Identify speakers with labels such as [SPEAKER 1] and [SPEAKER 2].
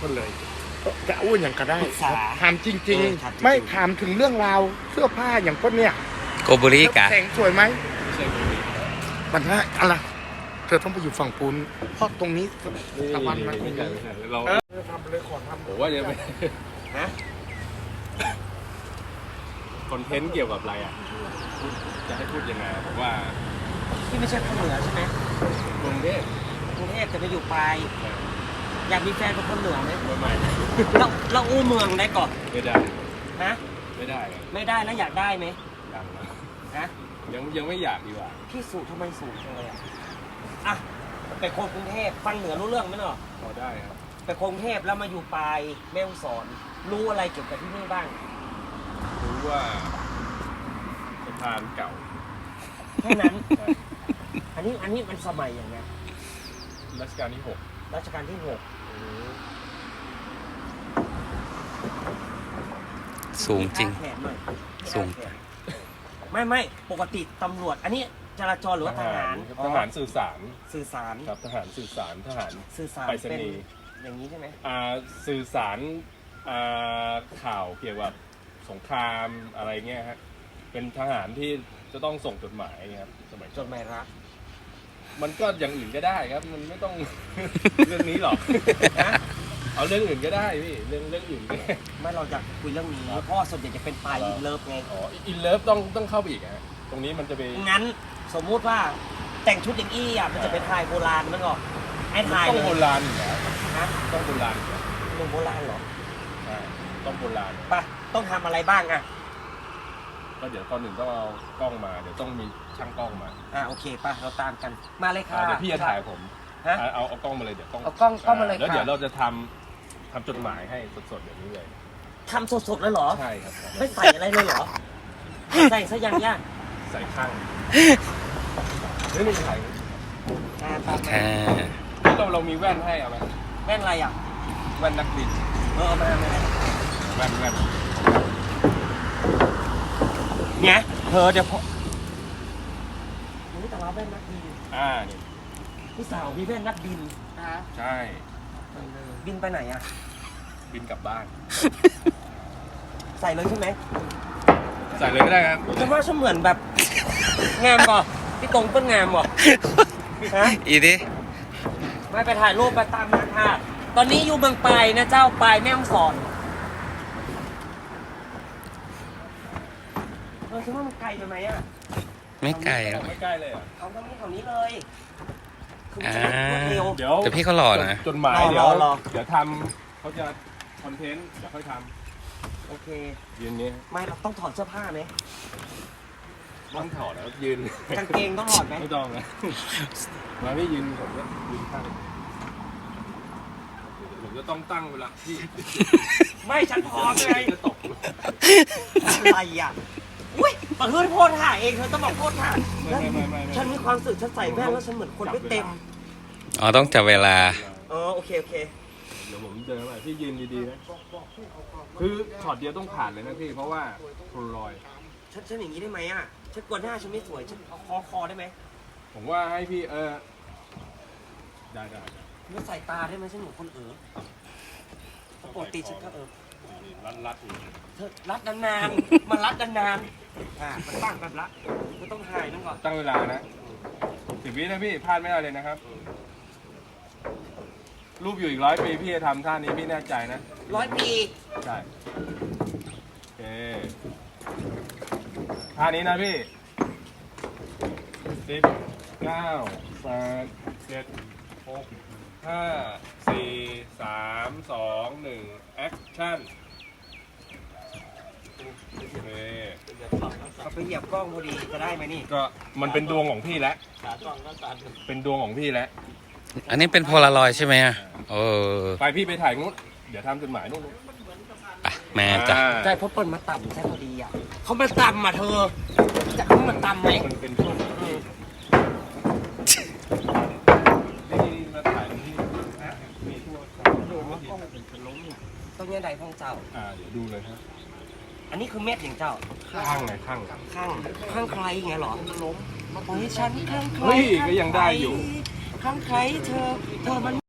[SPEAKER 1] คนเลยจะอ้วนอย่างก็ได้
[SPEAKER 2] ปรึกษา
[SPEAKER 1] ถามจริง
[SPEAKER 2] ถามจริง
[SPEAKER 1] ๆ ไม่ถามถึงเรื่องราวเสื้อผ้าอย่างคนเนี้ย
[SPEAKER 3] โกบุริกะ
[SPEAKER 1] แสงสวยไหมมันว่าอะไรเธอต้องไปอยู่ฝั่งปูนเพราะตรงนี้ตะวันมัน
[SPEAKER 4] ไม่ใช่เรา
[SPEAKER 1] ทำเลยขอทำ
[SPEAKER 4] ผมว่าจะไป
[SPEAKER 2] ฮะ
[SPEAKER 4] คอนเทนต์เกี่ยวกับอะไรอ่ะจะให้พูดยังไงผมว่า
[SPEAKER 2] ที่ไม่ใช่คนเหนือใช่ไหม
[SPEAKER 4] กรุงเทพ
[SPEAKER 2] กรุงเทพจะไปอยู่ปลายอยากมีแฟนเป็นคนเหนือไหม
[SPEAKER 4] ไม่
[SPEAKER 2] เราอู้เมืองได้ก่อน
[SPEAKER 4] ไม่ได้
[SPEAKER 2] นะ
[SPEAKER 4] ไม่ได้
[SPEAKER 2] ไม่ได้แล้วอยากได้ไหม
[SPEAKER 4] ยังนะ
[SPEAKER 2] ฮะ
[SPEAKER 4] ยังไม่อยากดีกว่า
[SPEAKER 2] พี่สูทำไมสูงจังเลยอ่ะไปคนกรุงเทพฟังเหนือรู้เรื่องไหมเนาะ
[SPEAKER 4] พอได้ครับ
[SPEAKER 2] ไปกรุงเทพแล้วมาอยู่ปลายแม่ฮ่องสอน รู้อะไรเกี่ยวกับที่นี่บ้าง
[SPEAKER 4] รู้ว่าสะพานเก่า
[SPEAKER 2] แค่นั้น อันนี้มันสมัยอย่างไง
[SPEAKER 4] รัชกาลที่
[SPEAKER 2] รัชกาลที่6
[SPEAKER 3] สูงจริง
[SPEAKER 2] แขนหน่อย
[SPEAKER 3] สูง
[SPEAKER 2] ไม่ปกติตำรวจ อันนี้จราจรหรือ
[SPEAKER 4] 6
[SPEAKER 2] ว่าทหาร
[SPEAKER 4] ทหารสื่อสาร
[SPEAKER 2] สื่อสาร
[SPEAKER 4] ครับทหารสื่อสารทหาร
[SPEAKER 2] สื่อสาร
[SPEAKER 4] ไปรษ
[SPEAKER 2] เป็น
[SPEAKER 4] ณีย์
[SPEAKER 2] อย่างนี้ใช่ไหม
[SPEAKER 4] สื่อสารข่าวเกี่ยวกับสงครามอะไรเงี้ยฮะเป็นทหารที่จะต้องส่งจดหมายครับสมัย
[SPEAKER 2] จดหมายรัก
[SPEAKER 4] มันก็อย่างอื่นก็ได้ครับ มันไม่ต้อง เรื่องนี้หรอก
[SPEAKER 2] นะ
[SPEAKER 4] เอาเรื่องอื่นก็ได้พี่เรื่องอื่นก็ได้
[SPEAKER 2] ไม่เราอยากคุยเรื่องนี้เพราะว่าส่วนใหญ่จะเป็นปลายอินเลิฟไง
[SPEAKER 4] อ๋ออินเลิฟต้องเข้าไปอีกฮะตรงนี้มันจะไป
[SPEAKER 2] งั้นสมมุติว่าแต่งชุดอย่างอี้อ่ะมันจะเป็นไทยโบราณมันก็ไอ้ไทย
[SPEAKER 4] ต้อง
[SPEAKER 2] เล
[SPEAKER 4] โบ
[SPEAKER 2] ย
[SPEAKER 4] ราณอยู่แล้ว
[SPEAKER 2] นะ
[SPEAKER 4] ต้องโบราณอยู่แล้ว
[SPEAKER 2] หนุ่มโบราณเหรอ
[SPEAKER 4] ใช่ต้องโบราณ
[SPEAKER 2] ไปต้องทำอะไรบ้างอ่ะ
[SPEAKER 4] ก็เดี๋ยวตอนหนึ่งต้องเอากล้องมาเดี๋ยวต้องมีช่างกล้องมา
[SPEAKER 2] โอเคป่ะเราตามกันมาเลยค่ะ
[SPEAKER 4] เดี๋ยวพี่จะถ่ายผม
[SPEAKER 2] ฮะ
[SPEAKER 4] เอากล้องมาเลยเดี๋ยวกล้อง
[SPEAKER 2] เอากล้องมาเลย
[SPEAKER 4] แล้ว
[SPEAKER 2] ค่ะ
[SPEAKER 4] เดี๋ยวเราจะทำจดหมายให้สดๆอย่างนี้เลย
[SPEAKER 2] ทำสดๆเลยเหรอ
[SPEAKER 4] ใช่ครับ
[SPEAKER 2] ไม่ใส่อะไรเลยเหรอใส่ซะยังยาก
[SPEAKER 4] ใส่ข้างเฮ้ยไม่ใช่
[SPEAKER 2] ตาม
[SPEAKER 3] ค่ะ
[SPEAKER 4] เรามีแว่นให้เอาไหม
[SPEAKER 2] แว่นอะไรอ่ะ
[SPEAKER 4] แว่นนักบิน
[SPEAKER 2] เอามา
[SPEAKER 4] แว่น
[SPEAKER 2] เนี่ยเธอเดี๋ยวพอนี่แต่เราแว่นนักบิน
[SPEAKER 4] นี่
[SPEAKER 2] พี่สาวมีแว่นนักบินนะ
[SPEAKER 4] ใช่
[SPEAKER 2] บินไปไหนอ่ะ
[SPEAKER 4] บินกลับบ้าน
[SPEAKER 2] ใส่เลยใช่ไหม
[SPEAKER 4] ใส่เลยก็ได้ครับ
[SPEAKER 2] ฉันว่าฉันเหมือนแบบงามก่อพี่ตรงต้นงามก่อฮะ
[SPEAKER 3] อีดิ
[SPEAKER 2] ไม่ไปถ่ายรูปไปตามมาค่ะตอนนี้อยู่เมืองปลายนะเจ้าปลายแม่ฮ่องสอนฉันว่ามันไกลไปไหมอ่ะ
[SPEAKER 3] ไม่ไกลหรอก
[SPEAKER 4] ไม่ใกล้เลยอ่ะ
[SPEAKER 2] เอาตรงนี้แถวนี้เลยคือมัน
[SPEAKER 3] อ่า
[SPEAKER 2] จะรวดเร็ว
[SPEAKER 4] เดี๋ยว
[SPEAKER 3] แต่พี่เขาหล่อนะ
[SPEAKER 4] จดหมาย
[SPEAKER 2] รอ
[SPEAKER 4] เดี๋ยว
[SPEAKER 2] รอ
[SPEAKER 4] เดี๋ยวทำเขาจะคอนเทนต์เดี๋ยวค่อยท
[SPEAKER 2] โอเค
[SPEAKER 4] ำยืนนี้
[SPEAKER 2] ไม่เราต้องถอดเสื้อผ้าไหม
[SPEAKER 4] ต้องถอดแล้วยืน
[SPEAKER 2] กางเกงต้องถอดไหม
[SPEAKER 4] ไม่ต้องนะมาพี่ยืนผมก็ยืนข้างผมจะต้องตั้งเวลาที่
[SPEAKER 2] ไม่ฉันพร้อมเลย
[SPEAKER 4] จะตก
[SPEAKER 2] อะไรอ่ะอุ้ยบังเอิญโพสถ่ายเองเธอต้องบอกโพสถ่าย
[SPEAKER 4] ไม่
[SPEAKER 2] ฉันมีความรู้สึกฉันใส่แว่นแล้วฉันเหมือนคนไม่เต็ม
[SPEAKER 3] อ๋อต้องจับเวลา
[SPEAKER 2] โอเค
[SPEAKER 4] เดี๋ยวผมเดินไปพี่ยืนดีๆนะคือช็อตเดียวต้องผ่านเลยนะพี่เพราะว่าโพลารอยด์
[SPEAKER 2] ฉันอย่างนี้ได้ไหมอ่ะฉันกลัวหน้าฉันไม่สวยฉันเอาคอได้ไหม
[SPEAKER 4] ผมว่าให้พี่ได้
[SPEAKER 2] ไม่ใส่ตาได้ไหมฉันเหมือนคนปกติฉันก็
[SPEAKER 4] รัดอยู่
[SPEAKER 2] เธอรัดนานๆมันรัดนานๆมันตั้งแบบละก็ต้องถ่ายนั่นก่อน
[SPEAKER 4] ตั้งเวลานะ10 วินะพี่พลาดไม่ได้เลยนะครับ รูปอยู่อีก100 ปีพี่จะทำท่านี้พี่แน่ใจนะ
[SPEAKER 2] 100 ปี
[SPEAKER 4] ใช่โอเคท่านี้นะพี่10 9 8 7 6 5 4 3 2 1 action โอเค
[SPEAKER 2] เอาไปเหยียบกล้องพอดีจะได้ไหมนี่
[SPEAKER 4] ก็มันเป็นดวงของพี่แล้วเป็นดวงของพี่แล้ว
[SPEAKER 3] อันนี้เป็นโพลารอยด์ใช่ไหมอ่ะ
[SPEAKER 4] ไปพี่ไปถ่ายนู้นเดี๋ยวทำจดหมายนู้น
[SPEAKER 3] ไปแม่จ้ะ
[SPEAKER 2] ใช่เพราะเปิ้ลมาต่ำใช่พอดีอ่ะเขามาต่ำอ่ะเธอจะเขามาต่ำไหม
[SPEAKER 4] มันเป็นช่วงนี่มาถ่ายที่มีทั่วเป็นล้ม
[SPEAKER 2] ต้องเนี่ยใดพ้องเจ้า
[SPEAKER 4] เดี๋ยวดูเลยครับ
[SPEAKER 2] อันนี้คือเม็ดอย่างเจ้า
[SPEAKER 4] ข้างไหนข้าง
[SPEAKER 2] ข้างใครไงเหรอล้มโอ้ยฉันข้างใคร
[SPEAKER 4] เฮ้ยก็ยังได้อยู่
[SPEAKER 2] ข้างใครเธอมัน